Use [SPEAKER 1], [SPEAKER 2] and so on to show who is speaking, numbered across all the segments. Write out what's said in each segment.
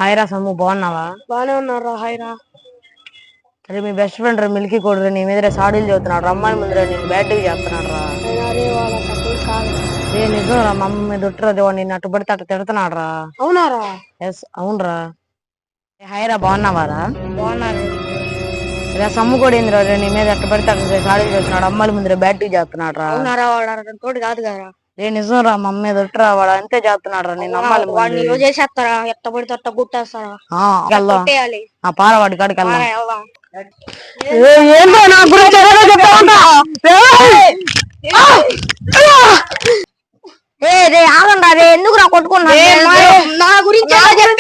[SPEAKER 1] హాయ్రా sum, బాగున్నావా?
[SPEAKER 2] బానే ఉన్నారా? హాయ్రా.
[SPEAKER 1] అరే మీ బెస్ట్ ఫ్రెండ్ రా మిల్కీ కొడుకు నీ మీద సాడీలు చదువుతున్నాడు. అమ్మాయి ముందర నేను బ్యాడ్గా చేస్తున్నాడు రా. ఏ నిజం రా, మా అమ్మ మీద ఒట్టురాది, వాడు నిన్ను అట్టు పడితే అట్టు తిడుతున్నాడు రా.
[SPEAKER 2] అవునారా?
[SPEAKER 1] ఎస్ అవునరా. హాయ్రా, బాగున్నావారా?
[SPEAKER 2] బాగున్నాను.
[SPEAKER 1] ఇలా సమ్ము కూడా ఏందిరా నీ మీద అట్టు పడితే అట్టు సాడీలు చదువుతున్నాడు. అమ్మాయిల ముందర బ్యాడ్గా చేస్తున్నాడు రా.
[SPEAKER 2] అవునారా? వాడు తోడు కాదు కదా.
[SPEAKER 1] ఏ నిజం రా, మా అమ్మ మీద ఒట్టురా, వాడు అంతే చేస్తున్నాడు రా. నేను అమ్మాయిల
[SPEAKER 2] వాడిని చేసేస్తారా? ఎట్ట పడితే అట్ట గుట్టేస్తారా?
[SPEAKER 1] పార వాడి కాడికి వెళ్దాం.
[SPEAKER 2] ఏంటో నా గురించి
[SPEAKER 1] ఆగండి రే, ఎందుకు రా కొట్టుకున్నా?
[SPEAKER 2] నా గురించి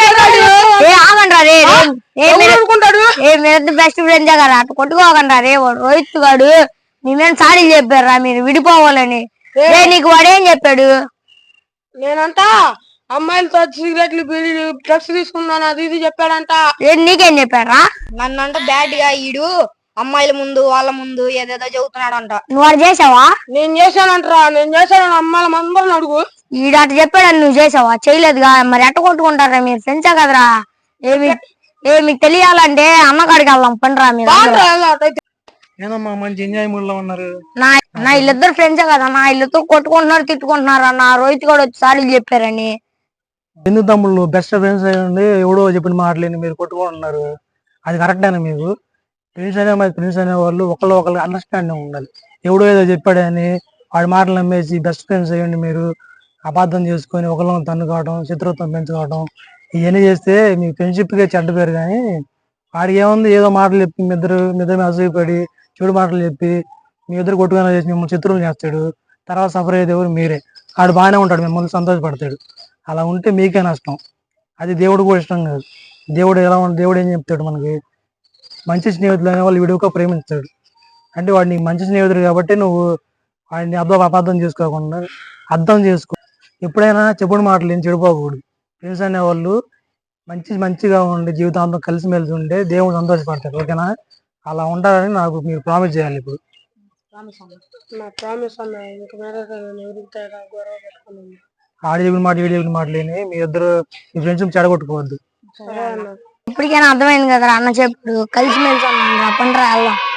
[SPEAKER 1] బెస్ట్ ఫ్రెండ్స్ కదా, అటు కొట్టుకోకండి రే. వాడు రోహిత్ గాడు మీ మీద సాడీలు చెప్పారా మీరు విడిపోవాలని. నీకు వాడేం చెప్పాడు?
[SPEAKER 2] నేనంతా అమ్మాయిలతో సిగరెట్లు బీడీలు డ్రగ్స్ తీసుకున్నాను అది ఇది చెప్పాడంట.
[SPEAKER 1] నీకేం చెప్పారా?
[SPEAKER 2] నన్నంట బ్యాడ్ గా ఈడు అమ్మాయిల ముందు వాళ్ళ ముందు ఏదేదో చెబుతున్నాడంట.
[SPEAKER 1] నువ్వు వాడు చేసావా?
[SPEAKER 2] నేను చేశానంటరా. నేను చేశాను. అమ్మాయిల అందరిని అడుగు.
[SPEAKER 1] ఈడు అటు చెప్పాడని నువ్వు చేసావా? చేయలేదుగా, మరి ఎట్ట కొట్టుకుంటారా మీరు? ఫ్రెండ్సే కదరా. మీకు తెలియాలంటే అన్నకాడికి వెళ్దాం పండురా. మీరు
[SPEAKER 3] ఏదమ్మా మంచి ఎంజాయ్ మూడ్ లో ఉన్నారు?
[SPEAKER 1] నా వీళ్ళిద్దరు ఫ్రెండ్సే కదా, నా వీళ్ళతో కొట్టుకుంటున్నారు తిట్టుకుంటున్నారు అన్న. రోహిత్ కూడా వచ్చి సారీలు చెప్పారని.
[SPEAKER 3] ఎందుకు తమ్ముళ్ళు బెస్ట్ ఫ్రెండ్స్ అయ్యండి, ఎవడో చెప్పిన మాటలేని మీరు కొట్టుకుంటున్నారు. అది కరెక్టేనా? మీకు ఫ్రెండ్స్ అనే వాళ్ళు ఒకళ్ళు అండర్స్టాండింగ్ ఉండాలి. ఎవడో ఏదో చెప్పాడని వాడి మాటలు నమ్మేసి బెస్ట్ ఫ్రెండ్స్ అయ్యండి మీరు అపార్థం చేసుకొని ఒకళ్ళని తన్నుకోవడం, శత్రుత్వం పెంచుకోవడం, ఇవన్నీ చేస్తే మీ ఫ్రెండ్షిప్కే చెడ్డ పేరు. కానీ వాడికి ఏముంది, ఏదో మాటలు చెప్పి మీ ఇద్దరు అసూయపడి చెడు మాటలు చెప్పి మీ ఇద్దరు కొట్టుకుని చేసి మిమ్మల్ని శత్రువులు చేస్తాడు. తర్వాత సఫర్ అయ్యేది ఎవరు? మీరే. వాడు బాగానే ఉంటాడు, మిమ్మల్ని సంతోషపడతాడు. అలా ఉంటే మీకే నష్టం. అది దేవుడు కూడా ఇష్టం కాదు. దేవుడు ఏం చెప్తాడు మనకి? మంచి స్నేహితులు అనే వాళ్ళు విడిగా ప్రేమిస్తాడు. అంటే వాడు నీకు మంచి స్నేహితుడు కాబట్టి నువ్వు వాడిని అపార్థం చేసుకోకుండా అర్థం చేసుకో. ఎప్పుడైనా చెప్పుడు మాటలు ఏం చెడిపోకూడదు. ఫ్రెండ్స్ అనేవాళ్ళు మంచిగా ఉండి జీవితాంతం కలిసిమెలిసి ఉంటే దేవుడు సంతోషపడతాడు. ఓకేనా? అలా ఉంటారని నాకు మీరు ప్రామిస్ చేయాలి. ఇప్పుడు ఆడి చెప్పిన మాట ఈడి చెప్పిన మాట లేని మీ ఇద్దరు మీ ఫ్రెండ్షిప్ చెడగొట్టుకోవద్దు.
[SPEAKER 1] ఇప్పటికైనా అర్థమైంది కదా అన్న చెప్పుడు. కలిసిమెలిసి ఉన్నాం. పండురా వెళ్దాం.